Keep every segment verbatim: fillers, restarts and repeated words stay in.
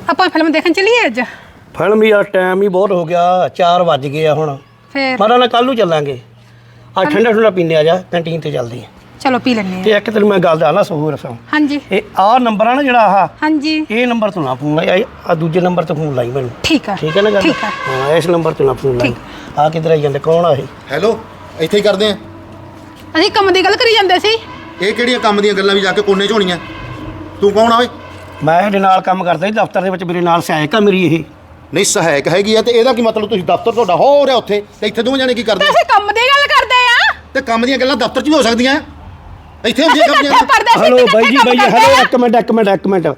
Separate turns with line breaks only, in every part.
ਆਪਾਂ ਫਿਲਮ ਦੇਖਣ ਚੱਲੀਏ ਅੱਜ?
ਫਿਲਮ ਯਾਰ ਟਾਈਮ ਹੀ ਬਹੁਤ ਹੋ ਗਿਆ, ਚਾਰ ਵੱਜ ਗਏ ਆ ਹੁਣ।
ਫੇਰ
ਮਾੜਾ ਨਾ ਕੱਲ ਨੂੰ ਚੱਲਾਂਗੇ। ਅੱਜ ਠੰਡਾ ਠੰਡਾ ਪੀਂਦੇ ਆ, ਜਾ ਕੰਟੀਨ ਤੇ ਚੱਲਦੇ ਆ।
ਚਲੋ ਪੀ ਲੈਣੇ
ਤੇ ਇੱਕ ਤੈਨੂੰ ਮੈਂ ਗੱਲ ਦੱਸਣਾ ਸਹੂ ਰਸਾਂ।
ਹਾਂਜੀ।
ਇਹ ਆਹ ਨੰਬਰ ਆ ਨਾ ਜਿਹੜਾ ਆਹ,
ਹਾਂਜੀ
ਇਹ ਨੰਬਰ ਤੋਂ ਨਾ ਫੋਨ ਲਾਈ, ਆ ਦੂਜੇ ਨੰਬਰ ਤੋਂ ਫੋਨ ਲਾਈ ਮੈਨੂੰ।
ਠੀਕ ਆ
ਠੀਕ ਹੈ ਨਾ ਗੱਲ?
ਠੀਕ ਆ।
ਹਾਂ, ਇਸ ਨੰਬਰ ਤੋਂ ਨਾ ਫੋਨ ਲਾਈ। ਆ ਕਿੱਧਰ ਆਈ ਜਾਂਦੇ? ਕੌਣ ਆ ਇਹ?
ਹੈਲੋ, ਇੱਥੇ ਹੀ ਕਰਦੇ ਆ।
ਅਸੀਂ ਕੰਮ ਦੀ ਗੱਲ ਕਰੀ ਜਾਂਦੇ ਸੀ।
ਇਹ ਕਿਹੜੀਆਂ ਕੰਮ ਦੀਆਂ ਗੱਲਾਂ ਵੀ ਜਾ ਕੇ ਕੋਨੇ 'ਚ ਹੋਣੀਆਂ? ਤੂੰ ਕੌਣ ਆ ਓਏ?
ਮੈਂ ਇਹਦੇ ਨਾਲ ਕੰਮ ਕਰਦਾ ਸੀ ਦਫ਼ਤਰ ਦੇ ਵਿੱਚ, ਮੇਰੇ ਨਾਲ ਸਹਾਇਕ ਆ ਮੇਰੀ ਇਹ।
ਨਹੀਂ, ਸਹਾਇਕ ਹੈਗੀ ਆ ਤੇ ਇਹਦਾ ਕੀ ਮਤਲਬ? ਤੁਸੀਂ ਦਫ਼ਤਰ ਤੁਹਾਡਾ ਹੋ ਰਿਹਾ ਉੱਥੇ ਤੇ ਇੱਥੇ ਦੋਵੇਂ ਜਾਣੇ ਕੀ ਕਰਦੇ?
ਅਸੀਂ ਕੰਮ ਦੀ ਗੱਲ ਕਰਦੇ ਆ।
ਤੇ ਕੰਮ ਦੀਆਂ ਗੱਲਾਂ ਦਫ਼ਤਰ 'ਚ ਵੀ ਹੋ ਸਕਦੀਆਂ, ਇੱਥੇ ਹੁੰਦੀਆਂ ਕੰਮ ਦੀਆਂ।
ਹਲੋ ਬਾਈ ਜੀ, ਬਾਈ ਹਲੋ, ਇੱਕ ਮਿੰਟ ਇੱਕ ਮਿੰਟ ਇੱਕ ਮਿੰਟ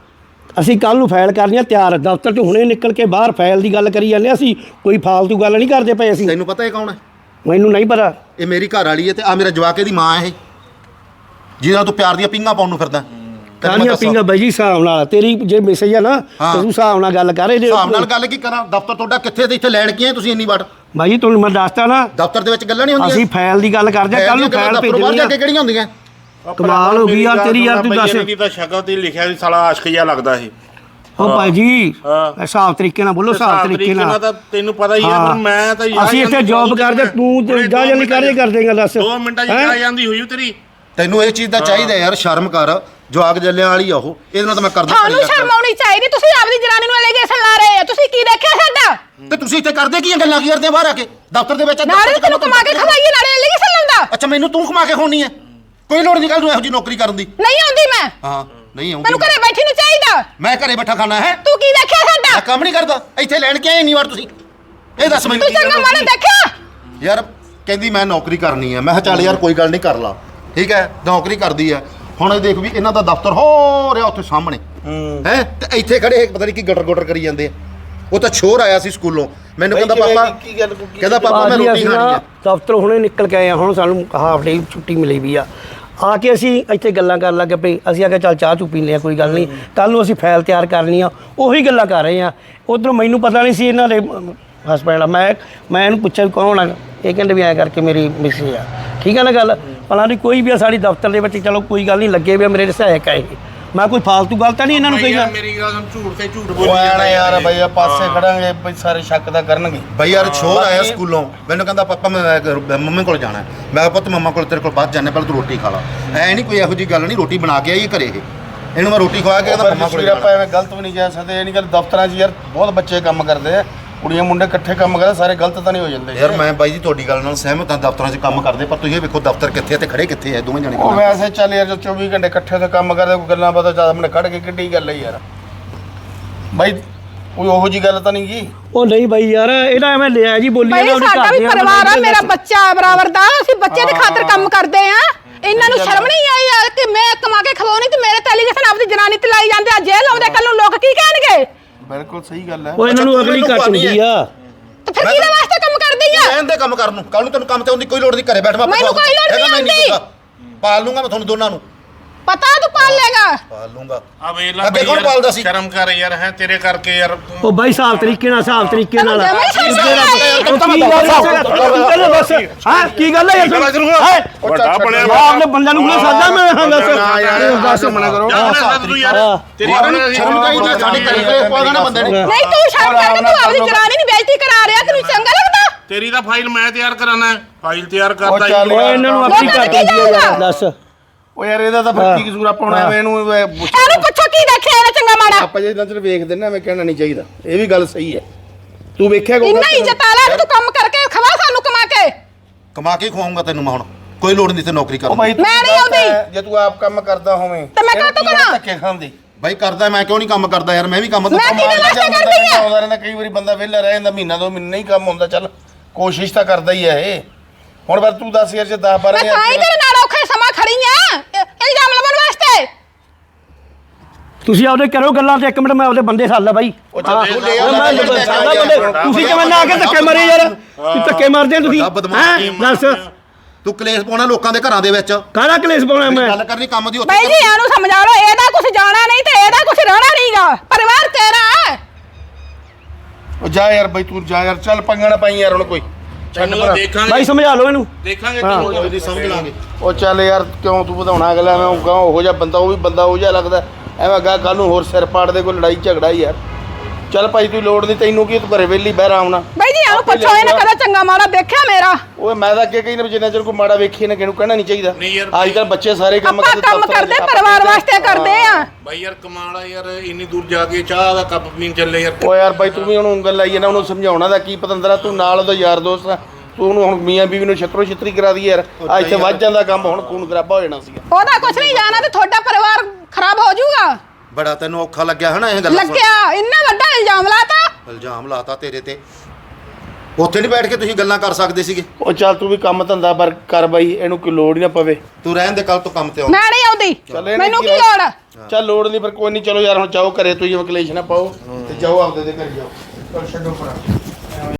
ਅਸੀਂ ਕੱਲ ਨੂੰ ਫਾਈਲ ਕਰਨੀ ਆ ਤਿਆਰ। ਦਫ਼ਤਰ 'ਚ ਹੁਣੇ ਨਿਕਲ ਕੇ ਬਾਹਰ ਫਾਈਲ ਦੀ ਗੱਲ ਕਰੀ ਜਾਂਦੇ ਅਸੀਂ, ਕੋਈ ਫਾਲਤੂ ਗੱਲ ਨਹੀਂ ਕਰਦੇ ਪਏ ਅਸੀਂ।
ਤੈਨੂੰ ਪਤਾ ਇਹ ਕੌਣ ਹੈ?
ਮੈਨੂੰ ਨਹੀਂ ਪਤਾ।
ਇਹ ਮੇਰੀ ਘਰ ਵਾਲੀ ਹੈ ਤੇ ਆ ਮੇਰਾ ਜਵਾਕ ਦੀ ਮਾਂ ਹੈ ਇਹ, ਜਿਹਦੇ ਨਾਲ ਤੂੰ ਪਿਆਰ ਦੀਆਂ ਪਿੰਗਾਂ ਪਾਉਣ ਨੂੰ ਫਿਰਦਾ।
ਕਾਹਦੀਆਂ ਪਿੰਗਾ ਬਾਈ ਜੀ? ਹਿਸਾਬ ਨਾਲ ਤੇਰੀ ਜੇ ਮੈਸੇਜ ਆ ਨਾ ਤੇ ਤੂੰ ਹਿਸਾਬ ਨਾਲ ਗੱਲ ਕਰ। ਇਹਦੇ
ਹਿਸਾਬ ਨਾਲ ਗੱਲ ਕੀ ਕਰਾਂ? ਦਫ਼ਤਰ ਤੁਹਾਡਾ ਕਿੱਥੇ ਤੇ ਇੱਥੇ ਲੈਣ ਕੀ ਆਏ ਤੁਸੀਂ ਇੰਨੀ ਵਾਰ?
ਬਾਈ ਜੀ ਤੁਹਾਨੂੰ ਮੈਂ ਦੱਸਤਾ ਨਾ,
ਦਫ਼ਤਰ ਦੇ ਵਿੱਚ ਗੱਲਾਂ ਨਹੀਂ ਹੁੰਦੀਆਂ।
ਅਸੀਂ ਫਾਈਲ ਦੀ ਗੱਲ ਕਰਦੇ ਕੱਲ ਨੂੰ ਫਾਈਲ ਭੇਜਣੀ ਆ।
ਕਿਹੜੀਆਂ ਹੁੰਦੀਆਂ?
ਕਮਾਲ ਹੋ ਗਈ ਯਾਰ ਤੇਰੀ, ਯਾਰ ਤੂੰ ਦੱਸ।
ਇਹਦੀ ਤਾਂ ਸ਼ਕਲ ਤੇ ਲਿਖਿਆ ਸੀ ਸਾਲਾ ਆਸ਼ਕ ਜਿਹਾ ਲੱਗਦਾ ਸੀ।
ਉਹ ਭਾਈ ਜੀ ਹਿਸਾਬ ਤਰੀਕੇ ਨਾਲ ਬੋਲੋ, ਹਿਸਾਬ ਤਰੀਕੇ ਨਾਲ।
ਤਾਂ ਤੈਨੂੰ ਪਤਾ ਹੀ ਆ, ਮੈਂ ਤਾਂ
ਅਸੀਂ ਇੱਥੇ ਜੌਬ ਕਰਦੇ, ਤੂੰ ਤੇ ਜਾ ਜਲਦੀ ਕਰਦੇ ਕਰ ਦੇਗਾ। ਦੱਸ
ਦੋ ਮਿੰਟਾਂ ਚ ਆ ਜਾਂਦੀ ਹੋਈ ਤੇਰੀ।
ਤੈਨੂੰ ਇਹ ਚੀਜ਼ ਦਾ ਚਾਹੀਦਾ ਯਾਰ, ਸ਼ਰਮ ਕਰ। ਜਵਾਕ ਜੱਲਿਆਂ ਵਾਲੀ ਆ ਉਹ, ਇਹਦੇ ਨਾਲ ਤਾਂ ਮੈਂ ਕਰਦਾ।
ਤੁਹਾਨੂੰ ਸ਼ਰਮ ਆਉਣੀ ਚਾਹੀਦੀ। ਤੁਸੀਂ ਆਪਦੀ ਜਨਾਨੀ ਨੂੰ ਐਲੀਗੇਸ਼ਨ ਲਾ ਰਹੇ ਆ। ਤੁਸੀਂ ਕੀ ਦੇਖਿਆ ਸਾਡਾ?
ਤੇ ਤੁਸੀਂ ਇੱਥੇ ਕਰਦੇ ਕੀ ਆ? ਗੱਲਾਂ ਕੀ ਕਰਦੇ ਆ ਬਾਹਰ ਆ ਕੇ ਦਫ਼ਤਰ ਦੇ ਵਿੱਚ?
ਨਾਲੇ ਤੈਨੂੰ ਕਮਾ ਕੇ ਖਵਾਈਏ, ਨਾਲੇ ਐਲੀਗੇਸ਼ਨ ਲਾਉਂਦਾ।
ਅੱਛਾ, ਮੈਨੂੰ ਤੂੰ ਕਮਾ ਕੇ ਖਵਾਉਣੀ ਹੈ? ਕੋਈ ਲੋੜ ਨਹੀਂ ਕੱਲ ਨੂੰ ਇਹੋ ਜਿਹੀ ਨੌਕਰੀ ਕਰਨ ਦੀ।
ਨਹੀਂ ਆਉਂਦੀ ਮੈਂ।
ਹਾਂ, ਨਹੀਂ ਆਉਂਦੀ।
ਤੈਨੂੰ ਘਰੇ ਬੈਠੀ ਨੂੰ ਚਾਹੀਦਾ।
ਮੈਂ ਘਰੇ ਬੈਠਾ ਖਾਣਾ ਹੈ?
ਤੂੰ ਕੀ ਦੇਖਿਆ ਸਾਡਾ?
ਮੈਂ ਕੰਮ ਨਹੀਂ ਕਰਦਾ, ਇੱਥੇ ਲੈਣ ਕੇ ਆਏ ਇੰਨੀ ਵਾਰ ਤੁਸੀਂ। ਇਹ ਦੱਸ ਮੈਨੂੰ।
ਤੂੰ ਚੰਗਾ ਮਾੜਾ ਦੇਖਿਆ?
ਯਾਰ ਕਹਿੰਦੀ ਮੈਂ ਨੌਕਰੀ ਕਰਨੀ ਹੈ। ਮੈਂ ਕਿਹਾ ਚੱਲ ਯਾਰ ਕੋਈ ਗੱਲ ਨਹੀਂ, ਕਰ ਲਾ। ਠੀਕ ਹੈ, ਨੌਕਰੀ ਕਰਦੀ ਹੈ। ਹੁਣ ਇਹ ਦੇਖ ਵੀ ਇਹਨਾਂ ਦਾ ਦਫ਼ਤਰ ਹੋ ਰਿਹਾ ਉੱਥੇ ਸਾਹਮਣੇ ਹੈ, ਤੇ ਇੱਥੇ ਖੜੇ ਪਤਾ ਨਹੀਂ ਕੀ ਗਟਰ ਗਟਰ ਕਰੀ ਜਾਂਦੇ ਆ। ਉਹ ਤਾਂ ਛੋਰ ਆਇਆ ਸੀ ਸਕੂਲੋਂ, ਮੈਨੂੰ ਕਹਿੰਦਾ ਪਾਪਾ, ਕਹਿੰਦਾ ਪਾਪਾ ਮੈਂ ਰੋਟੀ ਖਾਣੀ ਹੈ।
ਦਫ਼ਤਰ ਹੁਣੇ ਨਿਕਲ ਕੇ ਆਏ ਆ, ਹੁਣ ਸਾਨੂੰ ਹਾਫ ਡੇ ਛੁੱਟੀ ਮਿਲੀ ਵੀ ਆ। ਆ ਕੇ ਅਸੀਂ ਇੱਥੇ ਗੱਲਾਂ ਕਰਨ ਲੱਗ ਪਏ। ਅਸੀਂ ਆ ਕੇ ਚੱਲ ਚਾਹ ਚੂ ਪੀਂਦੇ ਆ, ਕੋਈ ਗੱਲ ਨਹੀਂ। ਕੱਲ ਨੂੰ ਅਸੀਂ ਫਾਈਲ ਤਿਆਰ ਕਰਨੀ ਆ, ਉਹੀ ਗੱਲਾਂ ਕਰ ਰਹੇ ਆ। ਉੱਧਰੋਂ ਮੈਨੂੰ ਪਤਾ ਨਹੀਂ ਸੀ ਇਹਨਾਂ ਦੇ ਹਸਬੈਂਡ ਆ। ਮੈਂ ਮੈਂ ਇਹਨੂੰ ਪੁੱਛਿਆ ਵੀ ਕੌਣ ਆ, ਇਹ ਕਹਿੰਦੇ ਵੀ ਐਂ ਕਰਕੇ ਮੇਰੀ ਮਿਸਿਸ ਆ। ਠੀਕ ਆ ਨਾ ਗੱਲ? ਭਲਾ ਨਹੀਂ ਕੋਈ ਵੀ ਆ ਸਾਡੀ ਦਫ਼ਤਰ ਦੇ ਵਿੱਚ, ਚਲੋ ਕੋਈ ਗੱਲ ਨਹੀਂ, ਲੱਗੇ ਵੀ ਮੇਰੇ ਸਹਾਇਕ ਆ ਇਹ। ਮੈਂ ਕੋਈ ਫਾਲਤੂ ਗੱਲ ਤਾਂ ਨਹੀਂ ਇਹਨਾਂ ਨੂੰ ਕਹੀਦਾ।
ਮੇਰੀ ਗੱਲ ਸੁਣ, ਝੂਠ ਤੇ ਝੂਠ ਬੋਲੀ
ਜਾਂਦਾ ਯਾਰ। ਬਈ ਆ ਪਾਸੇ ਖੜਾਂਗੇ ਬਈ, ਸਾਰੇ ਸ਼ੱਕ ਦਾ ਕਰਨਗੇ।
ਬਈ ਯਾਰ ਛੋਰ ਆਇਆ ਸਕੂਲੋਂ, ਮੈਨੂੰ ਕਹਿੰਦਾ ਪਾਪਾ ਮੈਂ ਮੰਮੀ ਕੋਲ ਜਾਣਾ। ਮੈਂ ਕਿਹਾ ਪੁੱਤ ਮੰਮਾ ਕੋਲ ਤੇਰੇ ਕੋਲ ਬਾਅਦ ਜਾਣੇ, ਪਹਿਲਾਂ ਤੂੰ ਰੋਟੀ ਖਾ ਲਾ। ਐ ਨਹੀਂ ਕੋਈ ਇਹੋ ਜਿਹੀ ਗੱਲ ਨਹੀਂ, ਰੋਟੀ ਬਣਾ ਕੇ ਆਈ ਘਰੇ ਇਹ। ਇਹਨੂੰ ਮੈਂ ਰੋਟੀ ਖਵਾ ਕੇ ਕਹਿੰਦਾ ਮੰਮਾ ਕੋਲ
ਆਪਾਂ ਐਵੇਂ ਗਲਤ ਵੀ ਨਹੀਂ ਕਹਿ ਸਕਦੇ। ਇਹ ਨਹੀਂ ਗੱਲ, ਦਫ਼ਤਰਾਂ 'ਚ ਯਾਰ ਬਹੁਤ ਬੱਚੇ ਕੰਮ ਕਰਦੇ ਆ, ਕੁੜੀਆਂ ਮੁੰਡੇ ਇਕੱਠੇ ਕੰਮ ਕਰਦੇ, ਸਾਰੇ ਗਲਤ ਤਾਂ ਨਹੀਂ ਹੋ ਜਾਂਦੇ
ਯਾਰ। ਮੈਂ ਬਾਈ ਜੀ ਤੁਹਾਡੀ ਗੱਲ ਨਾਲ ਸਹਿਮਤ ਹਾਂ, ਦਫ਼ਤਰਾਂ 'ਚ ਕੰਮ ਕਰਦੇ, ਪਰ ਤੁਸੀਂ ਇਹ ਵੇਖੋ ਦਫ਼ਤਰ ਕਿੱਥੇ ਆ ਤੇ ਖੜੇ ਕਿੱਥੇ ਆ ਦੋਵੇਂ ਜਣੇ।
ਉਹ ਵੈਸੇ ਚੱਲ ਯਾਰ, ਚੌਵੀ ਘੰਟੇ ਇਕੱਠੇ ਤੇ ਕੰਮ ਕਰਦੇ, ਕੋਈ ਗੱਲਾਂ ਬਾਤਾਂ ਜ਼ਿਆਦਾ ਮੈਨੂੰ ਕੱਢ ਕੇ ਕਿੱਡੀ ਗੱਲ ਹੈ ਯਾਰ। ਬਾਈ ਕੋਈ ਉਹੋ ਜੀ ਗੱਲ ਤਾਂ ਨਹੀਂ ਗੀ।
ਉਹ ਨਹੀਂ ਬਾਈ ਯਾਰ, ਇਹਦਾ ਐਵੇਂ ਲਿਆ ਜੀ ਬੋਲੀ
ਭਾਈ ਸਾਡਾ ਵੀ ਪਰਿਵਾਰ ਆ, ਮੇਰਾ ਬੱਚਾ ਬਰਾਬਰ ਦਾ। ਅਸੀਂ ਬੱਚੇ ਦੇ ਖਾਤਰ ਕੰਮ ਕਰਦੇ ਆ। ਇਹਨਾਂ ਨੂੰ ਸ਼ਰਮ ਨਹੀਂ ਆਈ ਯਾਰ ਕਿ ਮੈਂ ਕਮਾ ਕੇ ਖਵਾਉਣੀ ਤੇ ਮੇਰੇ ਤੇ ਐਲੀਗੇਸ਼ਨ ਆਪਦੀ ਜਨਾਨੀ ਤੇ ਲਾਈ ਜਾਂਦੇ ਆ। ਜੇਲ੍ਹ ਆਉਂਦੇ, ਕੱਲ ਨੂੰ ਲੋਕ ਕੀ ਕਹਿਣਗੇ?
ਬਿਲਕੁਲ ਸਹੀ ਗੱਲ ਹੈ।
ਉਹ ਇਹਨਾਂ ਨੂੰ ਅਗਲੀ ਘੱਟ ਹੁੰਦੀ ਆ।
ਤੇ ਫਿਰ ਕਿਹਦੇ ਵਾਸਤੇ ਕੰਮ ਕਰਦੀ ਆ?
ਰਹਿਣ ਦੇ ਕੰਮ ਕਰਨ ਨੂੰ, ਕੱਲ ਨੂੰ ਤੈਨੂੰ ਕੰਮ ਤੇ ਆਉਣ ਦੀ ਕੋਈ ਲੋੜ ਨਹੀਂ। ਘਰੇ ਬੈਠ ਮੈਂ
ਮੈਨੂੰ ਕੋਈ ਲੋੜ ਨਹੀਂ ਆਉਂਦੀ।
ਪਾਲ ਲੂੰਗਾ ਮੈਂ ਤੁਹਾਨੂੰ ਦੋਨਾਂ ਨੂੰ।
ਪਤਾ ਤੂੰ ਪਾਲ ਲੇਗਾ।
ਪਾਲ ਲੂੰਗਾ।
ਆ ਵੇਖ ਲੈ
ਅੱਗੇ ਕੌਣ ਪਾਲਦਾ ਸੀ?
ਸ਼ਰਮ ਕਰ ਯਾਰ, ਹੈ ਤੇਰੇ ਕਰਕੇ ਯਾਰ।
ਉਹ ਬਾਈ ਹਿਸਾਬ ਤਰੀਕੇ ਨਾਲ, ਹਿਸਾਬ ਤਰੀਕੇ ਨਾਲ। ਹਾਂ ਕੀ ਗੱਲ ਹੈ ਯਾਰ?
ਵੱਡਾ ਬਣਿਆ
ਆਪਣੇ ਬੰਦਿਆਂ ਨੂੰ ਕਿਉਂ ਸਾਦਾ? ਮੈਂ ਹਾਂ ਦੱਸ
ਦੱਸ ਮਨਾ ਕਰੋ।
ਤੇਰੀ
ਸ਼ਰਮ ਚਾਹੀਦੀ ਹੈ ਸਾਡੇ ਘਰੇ ਪਾ ਦੇਣਾ ਬੰਦੇ ਨੇ।
ਨਹੀਂ ਤੂੰ ਸ਼ਰਮ ਕਰ, ਤੂੰ ਆਪਦੀ ਜਨਾਨੀ ਦੀ ਬੇਇੱਜ਼ਤੀ ਕਰਾ ਰਿਹਾ। ਤੈਨੂੰ ਚੰਗਾ ਲੱਗਦਾ?
ਤੇਰੀ ਤਾਂ ਫਾਈਲ ਮੈਂ ਤਿਆਰ ਕਰਾਣਾ, ਫਾਈਲ ਤਿਆਰ ਕਰਦਾ
ਉਹ ਚੱਲ
ਹੀ।
ਓਏ ਇਹਨਾਂ ਨੂੰ ਆਪਣੀ ਘੱਟ ਹੁੰਦੀ ਆ ਯਾਰ। ਦੱਸ
ਉਹ ਯਾਰ ਇਹਦਾ ਤਾਂ ਫਿਰ ਕੀ ਕਸੂਰ ਆ? ਪਾਉਣਾ ਐਵੇਂ ਇਹਨੂੰ
ਇਹਨੂੰ ਪੁੱਛੋ ਕੀ ਦੇਖਿਆ ਇਹਨੇ ਚੰਗਾ ਮਾੜਾ?
ਆਪਾਂ ਜੇ ਨਜ਼ਰ ਵੇਖਦੇ ਨਾ, ਐਵੇਂ ਕਹਿਣਾ ਨਹੀਂ ਚਾਹੀਦਾ। ਇਹ ਵੀ ਗੱਲ ਸਹੀ ਹੈ। ਤੂੰ ਵੇਖਿਆ ਕੋਈ
ਇੰਨਾ ਇੱਜ਼ਤ ਆ ਲੈ, ਤੂੰ ਕੰਮ ਕਰਕੇ ਖਵਾ ਸਾਨੂੰ ਕਮਾ ਕੇ।
ਕਮਾ ਕੇ ਖਵਾਉਂਗਾ ਤੈਨੂੰ ਮੈਂ ਹੁਣ, ਕੋਈ ਲੋੜ ਨਹੀਂ ਤੇ ਨੌਕਰੀ ਕਰਨ ਦੀ।
ਬਾਈ
ਮੈਂ ਨਹੀਂ ਆਉਂਦੀ।
ਜੇ ਤੂੰ ਆਪ ਕੰਮ ਕਰਦਾ ਹੋਵੇਂ
ਤੇ ਮੈਂ ਕਾਹਤੋਂ ਕਰਾਂ?
ਧੱਕੇ ਖਾਂਦੀ।
ਬਾਈ ਕਰਦਾ, ਮੈਂ ਕਿਉਂ ਨਹੀਂ ਕੰਮ ਕਰਦਾ ਯਾਰ? ਮੈਂ ਵੀ ਕੰਮ
ਮੈਂ ਕਿਹਦੇ ਵਾਸਤੇ ਕਰਦੀ ਆ?
ਆਉਂਦਾ ਰਹਿੰਦਾ, ਕਈ ਵਾਰੀ ਬੰਦਾ ਵਿਹਲਾ ਰਹਿ ਜਾਂਦਾ, ਮਹੀਨਾ ਦੋ ਮਹੀਨੇ ਨਹੀਂ ਕੰਮ ਹੁੰਦਾ। ਚੱਲ ਕੋਸ਼ਿਸ਼ ਤਾਂ ਕਰਦਾ ਹੀ ਹੈ ਇਹ। ਹੁਣ ਪਰ ਤੂੰ ਦੱਸ ਯਾਰ, ਜੇ ਦਸ ਬਾਰਾਂ
ਮੈਂ ਤਾਂ ਹੀ ਤੇਰੇ ਨਾਲ ਔਖੇ ਸਮਾਂ ਖੜੀ ਆ ਇਲਜ਼ਾਮ ਲਵਾਉਣ ਵਾਸਤੇ।
ਤੁਸੀਂ ਆਪਦੇ ਕਰੋ ਗੱਲਾਂ ਤੇ ਇੱਕ ਮਿੰਟ ਮੈਂ ਆਪਦੇ ਬੰਦੇ ਛੱਡ ਲਾ ਬਾਈ। ਤੁਸੀਂ ਕਿਵੇਂ ਨਾ ਆ ਕੇ ਧੱਕੇ ਮਾਰੇ ਯਾਰ? ਤੁਸੀਂ ਧੱਕੇ ਮਾਰਦੇ ਆ ਤੁਸੀਂ। ਹੈਂ ਦੱਸ,
ਤੂੰ ਕਲੇਸ਼ ਪਾਉਣਾ ਲੋਕਾਂ ਦੇ ਘਰਾਂ ਦੇ ਵਿੱਚ।
ਕਾਹਦਾ ਕਲੇਸ਼ ਪਾਉਣਾ ਮੈਂ?
ਗੱਲ ਕਰਨੀ ਕੰਮ ਦੀ।
ਬਾਈ ਜੀ ਇਹਨੂੰ ਸਮਝਾ ਲਓ, ਇਹਦਾ ਕੁਝ ਜਾਣਾ ਨਹੀਂ ਤੇ ਇਹਦਾ ਕੁਝ ਰਹਿਣਾ ਨਹੀਂਗਾ। ਪਰਿਵਾਰ ਤੇਰਾ ਹੈ।
ਉਹ ਜਾ ਯਾਰ ਬਾਈ, ਤੂੰ ਜਾ ਯਾਰ। ਚੱਲ ਪੰਗਾ ਨਾ ਪਾਈ ਯਾਰ ਹੁਣ ਕੋਈ।
ਤੈਨੂੰ ਦੇਖਾਂਗੇ
ਬਾਈ ਸਮਝਾ ਲਓ ਇਹਨੂੰ।
ਦੇਖਾਂਗੇ ਤੈਨੂੰ
ਕੋਈ ਸਮਝ ਲਾਂਗੇ।
ਉਹ ਚੱਲ ਯਾਰ, ਕਿਉਂ ਤੂੰ ਵਧਾਉਣਾ ਅਗਲਾ? ਮੈਂ ਕਹਾਂ ਉਹੋ ਜਿਹਾ ਬੰਦਾ, ਉਹ ਵੀ ਬੰਦਾ ਉਹੋ ਜਿਹਾ ਲੱਗਦਾ। ਐਵੇਂ ਗਾ ਕੱਲ ਨੂੰ ਹੋਰ ਸਿਰ ਪਾੜ ਦੇ ਕੋਈ ਲੜਾਈ ਝਗੜਾ ਯਾਰ। ਚੱਲ ਭਾਈ ਤੂੰ ਲੋੜ ਨਹੀਂ, ਤੈਨੂੰ ਕੀ, ਤੂੰ ਘਰੇ ਵੇਲੀ ਬਹਿ ਆਉਣਾ।
ਬਾਈ ਜੀ ਇਹਨੂੰ ਪੁੱਛੋ ਇਹਨੇ ਕਦੇ ਚੰਗਾ ਮਾੜਾ ਦੇਖਿਆ ਮੇਰਾ?
ਓਏ ਮੈਂ ਤਾਂ ਅੱਗੇ ਕਹੀ ਨਾ ਜਿੰਨਾ ਚਿਰ ਕੋਈ ਮਾੜਾ ਵੇਖੀ ਨਾ ਕਿਹਨੂੰ ਕਹਿਣਾ ਨਹੀਂ ਚਾਹੀਦਾ।
ਨਹੀਂ ਯਾਰ,
ਅੱਜ ਕੱਲ ਬੱਚੇ ਸਾਰੇ ਕੰਮ
ਆਪਾਂ ਕੰਮ
ਦਫ਼ਤਰਾਂ 'ਚ,
ਕਰਦੇ
ਆਪਾਂ
ਪਰਿਵਾਰ ਵਾਸਤੇ ਕਰਦੇ ਆ।
ਬਾਈ ਯਾਰ ਕਮਾਲਾ ਯਾਰ, ਇੰਨੀ ਦੂਰ ਜਾ ਕੇ ਚਾਹ ਦਾ ਕੱਪ ਪੀਣ ਚੱਲੇ ਯਾਰ।
ਓ ਯਾਰ ਬਾਈ ਤੂੰ ਵੀ ਉਹਨੂੰ ਉਂਗਲ ਲਾਈ ਨਾ, ਉਹਨੂੰ ਸਮਝਾਉਣਾ ਦਾ ਕੀ ਪਤੰਦਰਾ, ਤੂੰ ਨਾਲ ਉਹਦਾ ਯਾਰ ਦੋਸਤ ਆ, ਤੂੰ ਉਹਨੂੰ ਹੁਣ ਮੀਆਂ ਬੀਵੀ ਨੂੰ ਛਤਰੋ ਛਤਰੀ ਕਰਾ ਦੀ ਯਾਰ। ਆ ਇੱਥੇ ਵੱਜ ਜਾਂਦਾ ਕੰਮ, ਹੁਣ ਖੂਨ ਖਰਾਬਾ ਹੋ ਜਾਣਾ ਸੀਗਾ।
ਉਹਦਾ ਕੁਝ ਨਹੀਂ ਜਾਣਾ ਤੇ ਤੁਹਾਡਾ ਪਰਿਵਾਰ ਖਰਾਬ ਹੋ ਜਾਊਗਾ।
ਬੜਾ ਤੈਨੂੰ ਔਖਾ ਲੱਗਿਆ ਹਨਾ ਇਹ ਗੱਲਾਂ ਸੁਣ ਕੇ?
ਲੱਗਿਆ, ਇੰਨਾ ਵੱਡਾ ਇਲਜ਼ਾਮ ਲਾਤਾ।
ਇਲਜ਼ਾਮ ਲਾਤਾ ਤੇਰੇ ਤੇ। ਉੱਥੇ ਨਹੀਂ ਬੈਠ ਕੇ ਤੁਸੀਂ ਗੱਲਾਂ ਕਰ ਸਕਦੇ ਸੀਗੇ?
ਉਹ ਚੱਲ ਤੂੰ ਵੀ ਕੰਮ ਧੰਦਾ ਪਰ ਕਰ ਬਾਈ, ਇਹਨੂੰ ਕੋਈ ਲੋੜ ਹੀ ਨਾ ਪਵੇ।
ਤੂੰ ਰਹਿਣ ਦੇ, ਕੱਲ ਤੋਂ ਕੰਮ ਤੇ ਆਉਂ।
ਮੈਂ ਨਹੀਂ ਆਉਂਦੀ,
ਚੱਲ ਇਹਨੇ
ਮੈਨੂੰ ਕੀ
ਕੀ
ਲੋੜ ਆ?
ਚੱਲ ਲੋੜ ਨਹੀਂ, ਪਰ ਕੋਈ ਨਹੀਂ, ਚਲੋ ਯਾਰ ਹੁਣ ਜਾਓ ਘਰੇ, ਤੁਸੀਂ ਕਲੇਸ਼ ਨਾ ਪਾਓ ਤੇ ਜਾਓ ਆਪਦੇ ਦੇ ਘਰ ਜਾਓ। ਚੱਲ ਛੱਡੋ ਪਰਾਂ।